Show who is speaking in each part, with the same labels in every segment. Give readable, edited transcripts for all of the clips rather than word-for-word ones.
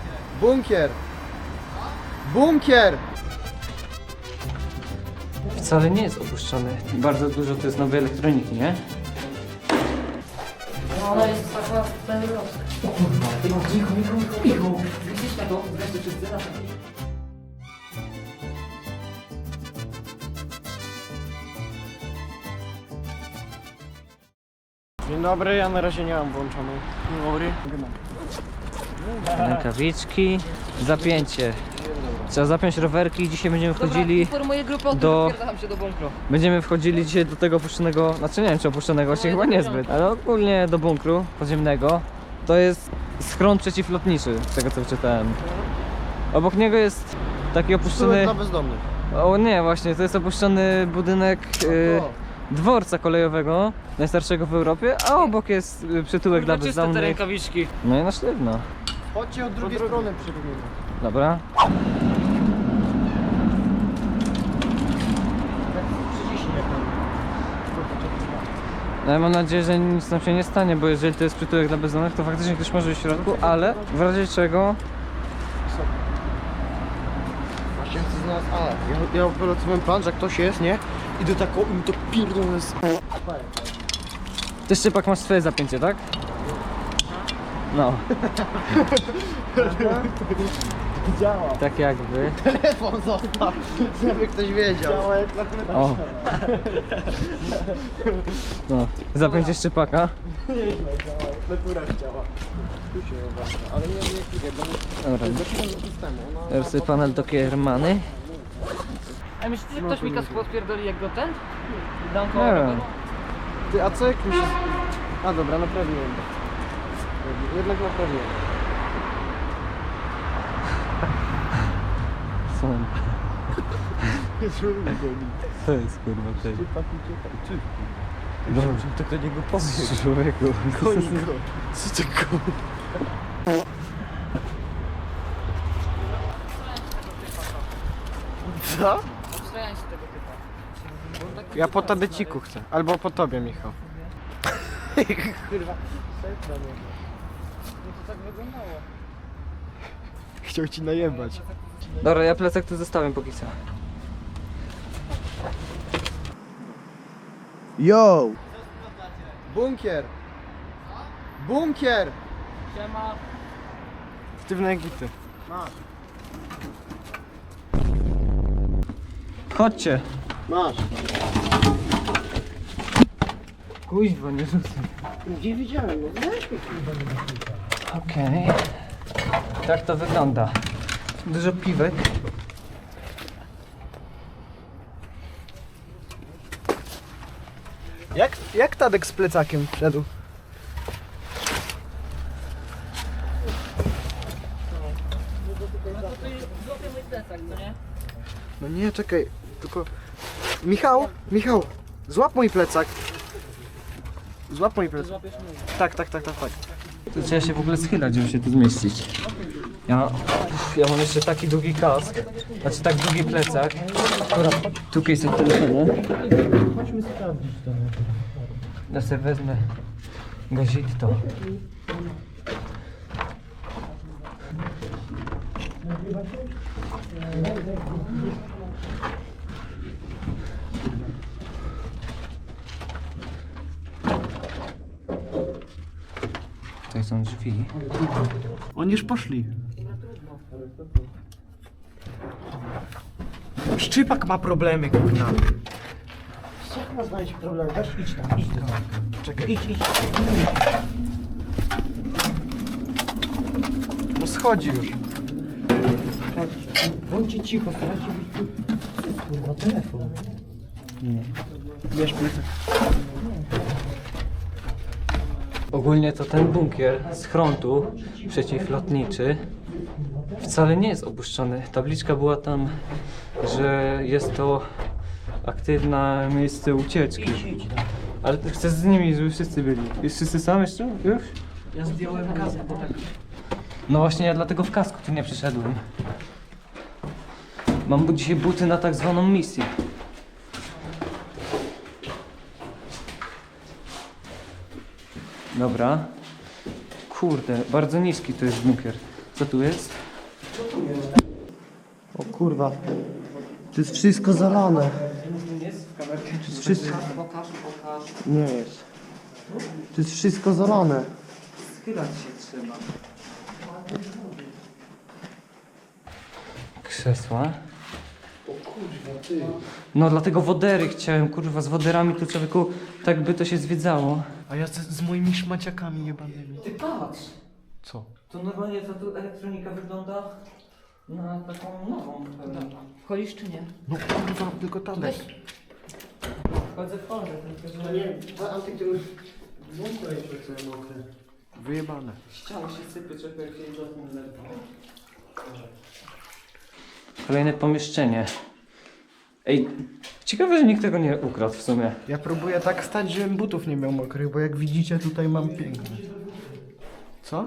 Speaker 1: Bunkier! Bunkier!
Speaker 2: Wcale nie jest opuszczony. Bardzo dużo to jest nowej elektroniki, nie?
Speaker 3: No ona jest taka perlowska. O kurwa, Michał. Widzisz na to? Wreszcie wszyscy na to.
Speaker 1: Dzień dobry, ja na razie nie mam włączonej. Dzień dobry.
Speaker 2: Rękawiczki, zapięcie. Trzeba zapiąć rowerki. Dzisiaj będziemy wchodzili
Speaker 3: Informuję grupę o tym,
Speaker 2: do-
Speaker 3: że wpierdam się do bunkru.
Speaker 2: Będziemy wchodzili dzisiaj do tego opuszczonego, znaczy nie wiem czy opuszczonego, właśnie chyba niezbyt, ale ogólnie do bunkru podziemnego. To jest schron przeciwlotniczy, z tego co wyczytałem. Obok niego jest taki opuszczony...
Speaker 1: Dla bezdomnych.
Speaker 2: O nie, właśnie, to jest opuszczony budynek dworca kolejowego, najstarszego w Europie, a obok jest przytułek dla bezdomnych.
Speaker 3: rękawiczki.
Speaker 2: No i na sztywno.
Speaker 1: Chodźcie od drugiej strony przerobimy.
Speaker 2: Dobra. No ja mam nadzieję, że nic nam się nie stanie, bo jeżeli to jest przytułek dla bezdomnych, to faktycznie ktoś może być w środku, ale w razie czego...
Speaker 1: Właśnie chcę znaleźć, ja opracowałem plan, że jak ktoś jest, nie? Idę tak o im to pierdolę z...
Speaker 2: Ty Szczypak masz swoje zapięcie, tak? No.
Speaker 1: Działa.
Speaker 2: Tak jakby.
Speaker 1: Telefon zostaw, żeby ktoś wiedział. Działa jak na
Speaker 2: O. No. Zapięcie Szczypaka.
Speaker 1: Natura działa. Tu się uważa, ale nie wiem bo
Speaker 2: Dobra.
Speaker 1: zaczynam do systemu.
Speaker 2: Teraz sobie panel do Kiermany.
Speaker 3: A myślicie, że ktoś mi kask podpierdoli jak go ten? Dam
Speaker 2: Nie
Speaker 3: koło
Speaker 2: wiem.
Speaker 3: roweru?
Speaker 1: Ty, a co jak mi się... A dobra, naprawiłem. Jednak naprawiłem.
Speaker 2: Co? To jest kurwa tej.
Speaker 1: Dobrze, to do niego powie.
Speaker 2: Człowieku.
Speaker 1: Goni go. Co ty go? Co?
Speaker 3: Obstrajałem się tego typa. Bo on tak
Speaker 1: Ja po tabeciku chcę. Albo po tobie, Michał. Kurwa.
Speaker 3: No to tak wyglądało.
Speaker 1: Chciał ci najebać.
Speaker 2: Dobra, ja plecak tu zostawiam póki co.
Speaker 1: Yo! Bunkier! Bunkier!
Speaker 3: Siema.
Speaker 1: Sztywne gity.
Speaker 2: Chodźcie.
Speaker 1: Masz.
Speaker 2: Kuźwa, nie rzucaj.
Speaker 1: Gdzie widziałem? No weź mi.
Speaker 2: Okej. Tak to wygląda. Dużo piwek.
Speaker 1: Jak Tadek z plecakiem wszedł?
Speaker 3: Złapię mój plecak, co nie?
Speaker 1: No nie, czekaj. Tylko... Michał! Złap mój plecak. Złap mój plecak.
Speaker 3: Złapiesz mój.
Speaker 1: Tak.
Speaker 2: To trzeba się w ogóle schylać, żeby się tu zmieścić. Ja mam jeszcze taki długi kask, znaczy tak długi plecak. Akurat tu jest od telefonu.
Speaker 1: Chodźmy sprawdzić to.
Speaker 2: Ja sobie wezmę gazito. Tutaj są drzwi.
Speaker 1: Oni już poszli. Szczypak ma problemy, kurwa. Jak ma znaleźć problemy? Weź idź tam. Czekaj, idź. No schodzi już. Bądźcie cicho, starajcie być tu. Kurwa, telefon.
Speaker 2: Nie.
Speaker 1: Bierz plecak.
Speaker 2: Ogólnie to ten bunkier z frontu przeciwlotniczy wcale nie jest opuszczony. Tabliczka była tam, że jest to aktywne miejsce ucieczki. Ale chcę z nimi, żeby wszyscy byli. Jest wszyscy sam jeszcze? Już?
Speaker 3: Ja zdjąłem kask, bo tak...
Speaker 2: No właśnie, ja dlatego w kasku tu nie przyszedłem. Mam dzisiaj buty na tak zwaną misję. Dobra. Kurde, bardzo niski to jest bunkier. Co tu jest?
Speaker 1: O kurwa. To jest wszystko zalane.
Speaker 2: Jest w kamerce.
Speaker 1: To jest wszystko...
Speaker 3: Pokaż.
Speaker 1: Nie jest. To jest wszystko zalane.
Speaker 2: Schylać się trzeba. Krzesła. No dlatego wodery chciałem, kurwa, z woderami tu człowieku, tak by to się zwiedzało.
Speaker 1: A ja z moimi szmaciakami jebanymi.
Speaker 2: Ty patrz!
Speaker 1: Co?
Speaker 2: To normalnie ta tu elektronika wygląda na taką nową.
Speaker 3: Wchodzisz czy nie?
Speaker 1: No kurwa, tylko Tadek.
Speaker 2: Wchodzę, tylko że
Speaker 1: Nie, Antek, to już włącz jeszcze całe mokre. Wyjebane.
Speaker 2: ściany się sypie, czekaj, jak się do tym lewo. Kolejne pomieszczenie. Ej, ciekawe, że nikt tego nie ukradł w sumie.
Speaker 1: Ja próbuję tak stać, żebym butów nie miał mokrych, bo jak widzicie tutaj mam piękne. Co?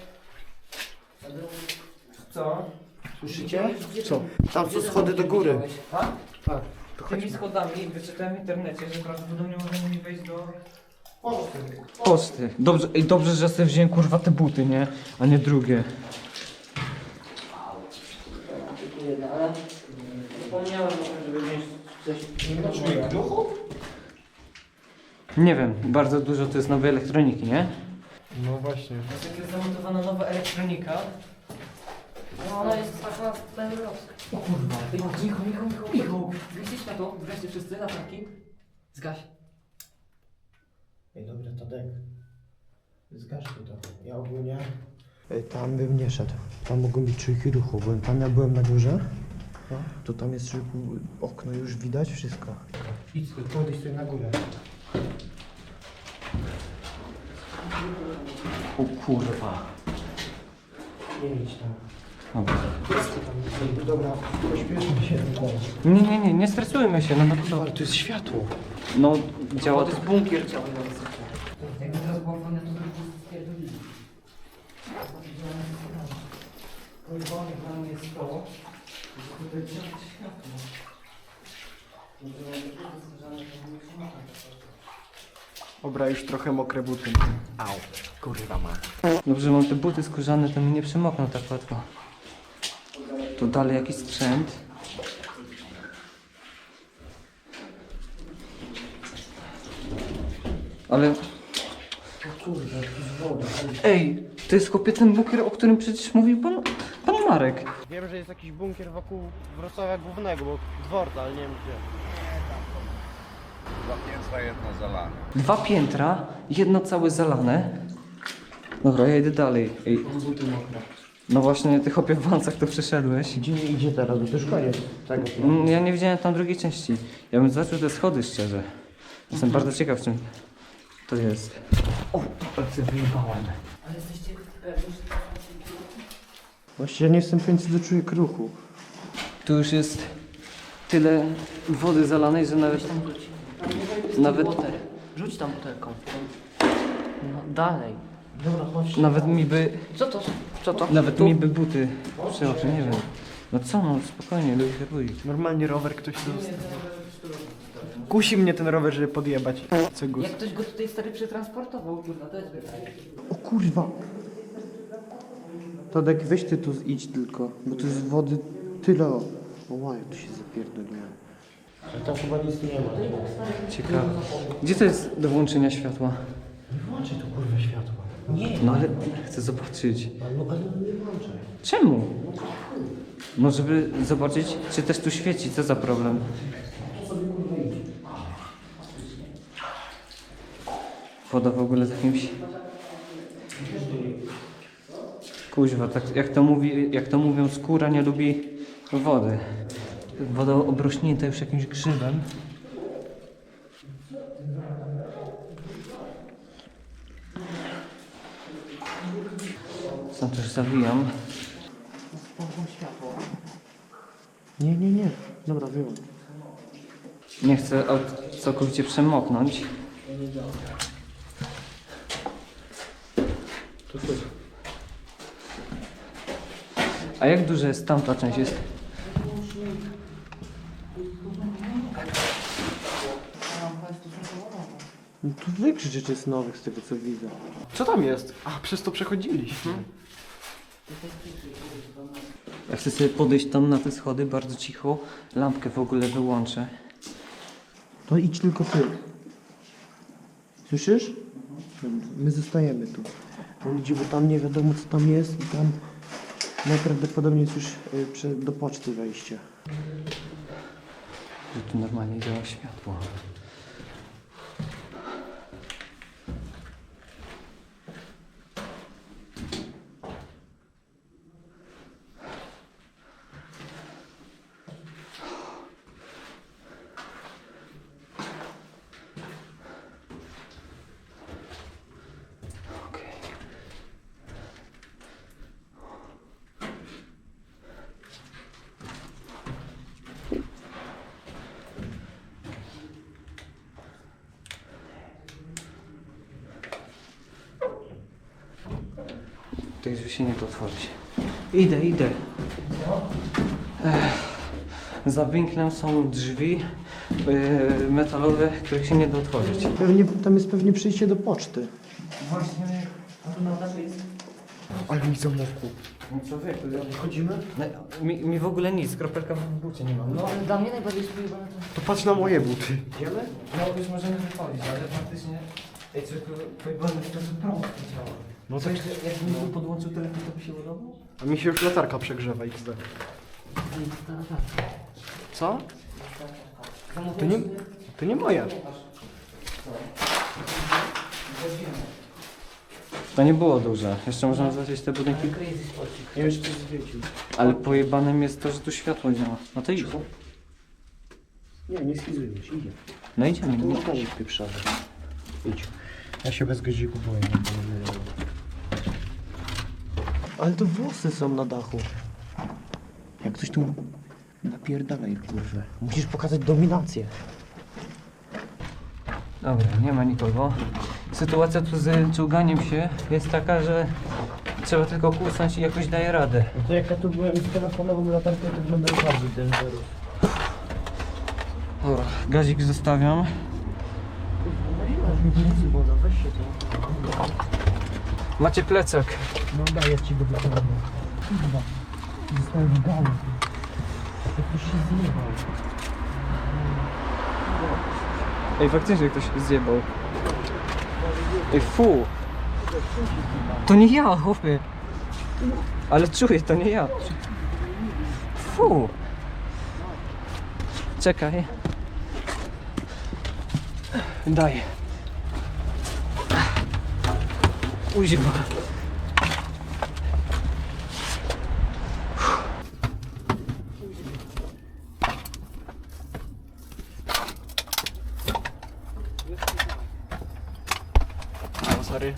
Speaker 2: Co?
Speaker 1: Słyszycie? Co? Tam są schody do góry.
Speaker 2: Tak?
Speaker 1: Tak. To
Speaker 2: Tymi
Speaker 1: chodźmy.
Speaker 2: schodami wyczytałem w internecie, że prawdopodobnie możemy mi wejść do poczty. Dobrze, ej, dobrze, że sobie wziąłem kurwa te buty, nie? A nie drugie.
Speaker 3: Ale zapomniałem, żeby wziąć coś.
Speaker 2: Nie wiem, bardzo dużo to jest nowej elektroniki, nie?
Speaker 1: No właśnie.
Speaker 2: Jak jest zamontowana nowa elektronika.
Speaker 3: No ona jest taka perlowska.
Speaker 2: O kurwa, ej, Michał.
Speaker 3: Zgaście światło, zgaście wszyscy, latarki. Zgaś.
Speaker 1: Ej, dobra, Tadek. Zgasz to. Ja ogólnie... Tam bym nie szedł. Tam mogą być czujki ruchu, bo tam ja byłem na górze. No, to tam jest okno, już widać wszystko. Idź, podejdź sobie na górę.
Speaker 2: O kurwa.
Speaker 1: Nie idź tam.
Speaker 2: Dobra.
Speaker 1: Dobra, pośpieszmy się.
Speaker 2: Nie stresujmy się, no to
Speaker 1: Ale to jest światło.
Speaker 2: no działa
Speaker 3: To
Speaker 2: to.
Speaker 3: jest bunkier ciała. Jakby teraz była wojna, to by spierdolili.
Speaker 2: Pojebane dla mnie jest to, że tutaj działa światło.
Speaker 1: Dobra, już trochę mokre buty. Au, kurwa ma.
Speaker 2: Dobrze, mam te buty skórzane, to mi nie przemokną tak łatwo. Tu dalej jakiś sprzęt. Ale... Ej, to jest chłopie ten bunkier, o którym przecież mówił pan Marek.
Speaker 1: Wiem, że jest jakiś bunkier wokół Wrocławia Głównego, bo dworca, ale nie wiem gdzie.
Speaker 4: Dwa piętra, jedno zalane.
Speaker 2: 2 piętra, jedno całe zalane. Dobra, ja idę dalej. Ej,
Speaker 1: Buty mokre.
Speaker 2: no właśnie, ty chłopie w wancach tu przyszedłeś.
Speaker 1: Gdzie nie idzie teraz? Bo to już koniec tego.
Speaker 2: Ja nie widziałem tam drugiej części. Ja bym zobaczył te schody szczerze. Jestem bardzo ciekaw czym to jest. O, ale się wyjebałem.
Speaker 3: Ale jesteście pewni, że
Speaker 1: Właściwie nie jestem pewien, co do czujek ruchu.
Speaker 2: Tu już jest tyle wody zalanej, że nawet...
Speaker 3: tam rzuć.
Speaker 2: Nawet-
Speaker 3: Rzuć tam butelką. No dalej.
Speaker 1: Dobra, chodź.
Speaker 2: Nawet mi by...
Speaker 3: Co to?
Speaker 2: Nawet mi by buty przeoczy, nie wiem. No co no, spokojnie, ludzie robić.
Speaker 1: Normalnie rower ktoś dostał. Kusi mnie ten rower, żeby podjebać. Co gus.
Speaker 3: Jak ktoś go tutaj stary przetransportował, kurwa, to jest wydaje.
Speaker 1: O kurwa. Tadek, weź ty tu idź tylko, bo tu jest wody tyle. O łaj, tu się zapierdoliłem. Ale tam chyba nic nie ma.
Speaker 2: Ciekawe. Gdzie to jest do włączenia światła?
Speaker 1: Włączaj tu kurwa światło. Nie,
Speaker 2: No ale chcę zobaczyć.
Speaker 1: ale nie włączaj.
Speaker 2: Czemu? No żeby zobaczyć, czy też tu świeci, co za problem. Woda w ogóle z jakimś... Kuźwa, tak jak to mówią, skóra nie lubi wody. Woda obrośnięta już jakimś grzybem. Sam też zawijam.
Speaker 1: Nie. Dobra, wyłącz.
Speaker 2: Nie chcę całkowicie przemoknąć. A jak duża jest tamta część? Jest...
Speaker 1: No tu wykrzycz, czy jest nowych z tego co widzę. Co tam jest? A, przez to przechodziliśmy.
Speaker 2: Ja chcę sobie podejść tam na te schody bardzo cicho. Lampkę w ogóle wyłączę.
Speaker 1: To idź tylko ty. Słyszysz? My zostajemy tu. On idzie, bo tam nie wiadomo co tam jest i tam najprawdopodobniej jest już do poczty wejście.
Speaker 2: Że tu normalnie działa światło. Okej. To już się nie da otworzyć. Idę. Za winklem są drzwi metalowe, których się nie da otworzyć.
Speaker 1: Tam jest pewnie przyjście do poczty.
Speaker 2: Właśnie, a tu na dachu jest.
Speaker 1: Ale mi zamokło.
Speaker 2: No człowieku,
Speaker 1: Chodzimy?
Speaker 2: mi w ogóle nic, kropelka w bucie nie mam. No,
Speaker 3: Ale dla mnie najbardziej spojrzane to...
Speaker 1: To patrz na moje buty. Idziemy?
Speaker 2: no już możemy wychodzić, ale faktycznie... Ej, co to pojebane w sposób prosty działa.
Speaker 1: No
Speaker 2: Co,
Speaker 1: tak.
Speaker 2: jakbym tu podłączył telefon, to by się ładował?
Speaker 1: A mi się już latarka przegrzewa XD. Co? To nie moje.
Speaker 2: To nie było duże. Jeszcze można zobaczyć te budynki.
Speaker 1: Ja już coś zwiedził.
Speaker 2: Ale pojebanym jest to, że tu światło działa. No to idź.
Speaker 1: Nie schizujesz, idzie.
Speaker 2: No idziemy.
Speaker 1: To nie gazik pieprzowy. Idź. Ja się bez gaziku boję. Ale to włosy są na dachu. Jak coś tu napierdalaj, kurwa. Musisz pokazać dominację.
Speaker 2: Dobra, nie ma nikogo. Sytuacja tu z czołganiem się jest taka, że trzeba tylko kłusnąć i jakoś daje radę.
Speaker 1: No to jak ja tu byłem z telefonową latarką, to wyglądał bardziej dangerous.
Speaker 2: Dobra, gazik zostawiam.
Speaker 1: Weź się to.
Speaker 2: Macie plecak.
Speaker 1: No daję ci go do tego. Kurwa. Zostałem w galu. Jak się zjebał.
Speaker 2: Ej, faktycznie ktoś zjebał. Ej, fu! To nie ja, chłopie. Ale czuję, to nie ja. Fu! Czekaj. Daj. Uziwa.
Speaker 1: Sorry.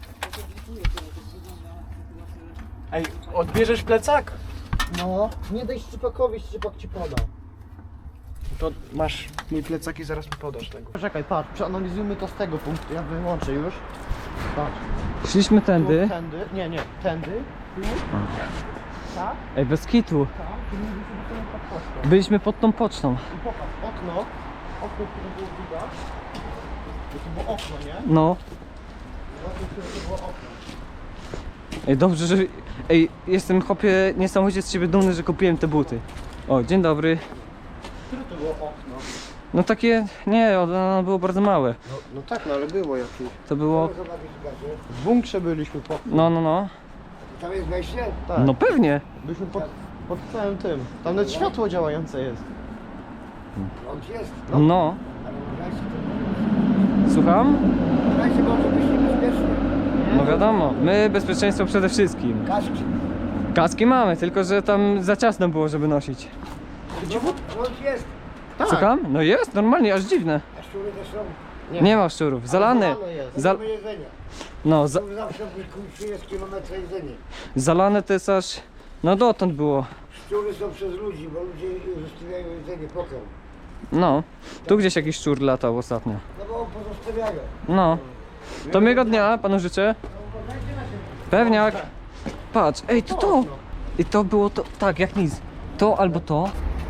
Speaker 1: Ej, odbierzesz plecak? No, nie daj Szczypakowi, Szczypak ci poda. To masz mój plecak i zaraz mi podasz tego. Czekaj, patrz, przeanalizujmy to z tego punktu, ja wyłączę już. Patrz,
Speaker 2: Szliśmy
Speaker 1: tu,
Speaker 2: tędy.
Speaker 1: nie, tędy, tu, tak,
Speaker 2: Ej, bez kitu.
Speaker 1: tak, tu nie widzimy pod pocztą.
Speaker 2: Byliśmy pod tą pocztą.
Speaker 1: I popatrz, okno, które było widać, to było okno, nie?
Speaker 2: No.
Speaker 1: Okno, które było okno.
Speaker 2: Ej, dobrze, że... Ej, jestem, chłopie, niesamowicie z ciebie dumny, że kupiłem te buty. O, dzień dobry.
Speaker 1: Które to było okno?
Speaker 2: No takie... Nie, ono było bardzo małe.
Speaker 1: No tak, no ale było jakieś.
Speaker 2: To było...
Speaker 1: W bunkrze byliśmy po...
Speaker 2: No.
Speaker 4: Tam jest wejście?
Speaker 1: Tak.
Speaker 2: No pewnie.
Speaker 1: Byliśmy pod całym tym. Tam nawet światło działające jest.
Speaker 4: On ci jest.
Speaker 2: No.
Speaker 4: Ale uważajcie,
Speaker 2: Słucham?
Speaker 4: uważajcie, może być niebezpiecznie.
Speaker 2: No wiadomo. My bezpieczeństwo przede wszystkim.
Speaker 4: Kaski.
Speaker 2: Kaski mamy, tylko że tam za ciasno było, żeby nosić.
Speaker 4: Prąd jest.
Speaker 1: Tak.
Speaker 2: Słucham? No jest, normalnie, aż dziwne.
Speaker 4: A szczury też są.
Speaker 2: Nie ma szczurów. Zalane.
Speaker 1: jest.
Speaker 2: Za...
Speaker 4: Mamy jedzenie.
Speaker 2: No,
Speaker 4: Tu zawsze jest kilometra jedzenie.
Speaker 2: zalane to jest aż... No dotąd było.
Speaker 4: Szczury są przez ludzi, bo ludzie zostawiają jedzenie, pokarm.
Speaker 2: No. Tu gdzieś jakiś szczur latał ostatnio.
Speaker 4: No bo pozostawiają.
Speaker 2: No. To miłego dnia panu życzę. Pewniak. Patrz, ej, to. I to było to, tak, jak nic. To albo to.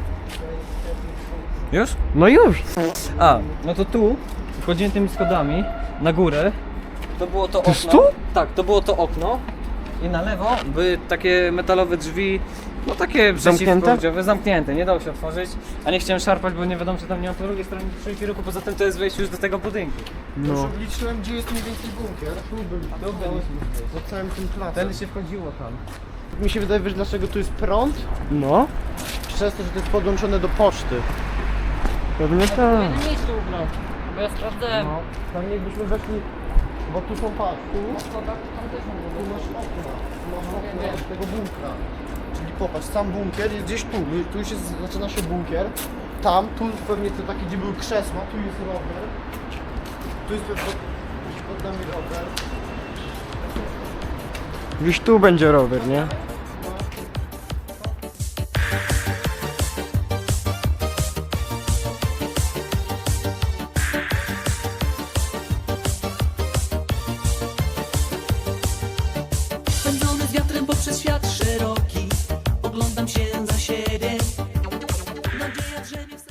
Speaker 2: Już?
Speaker 1: No już!
Speaker 2: A, no to tu, wchodziłem tymi schodami na górę. To było to okno.
Speaker 1: jest tu?
Speaker 2: Tak, to było to okno. i na lewo były takie metalowe drzwi, no takie
Speaker 1: Zamknięte?
Speaker 2: przeciwpowodziowe, zamknięte, nie dało się otworzyć, a nie chciałem szarpać, bo nie wiadomo czy tam nie ma po drugiej stronie trójki ruchu, poza tym to jest wejście już do tego budynku.
Speaker 1: Już obliczyłem, gdzie jest mniej więcej bunkier. Tu byliśmy. Za całym tym placem.
Speaker 2: Wtedy się wchodziło tam.
Speaker 1: Mi się wydaje, wiesz dlaczego tu jest prąd?
Speaker 2: No?
Speaker 1: Przez to, że to jest podłączone do poczty.
Speaker 2: Pewnie
Speaker 3: W
Speaker 2: tak.
Speaker 3: jednym miejscu ubrał. Bo ja sprawdzałem.
Speaker 1: No, tam jakbyśmy weszli, bo tu są patrz, tu
Speaker 3: Tam też mam
Speaker 1: tu masz okna z tego bunkra. Czyli popatrz, sam bunkier jest gdzieś tu, tu już jest, zaczyna się bunkier. Tam, tu pewnie te takie, gdzie były krzesła, tu jest rower. Tu jest pod nami rower.
Speaker 2: Gdzieś tu będzie rower, nie?
Speaker 5: Pędzony z wiatrem poprzez świat szeroki, oglądam się za siebie. Nadzieja drzemie w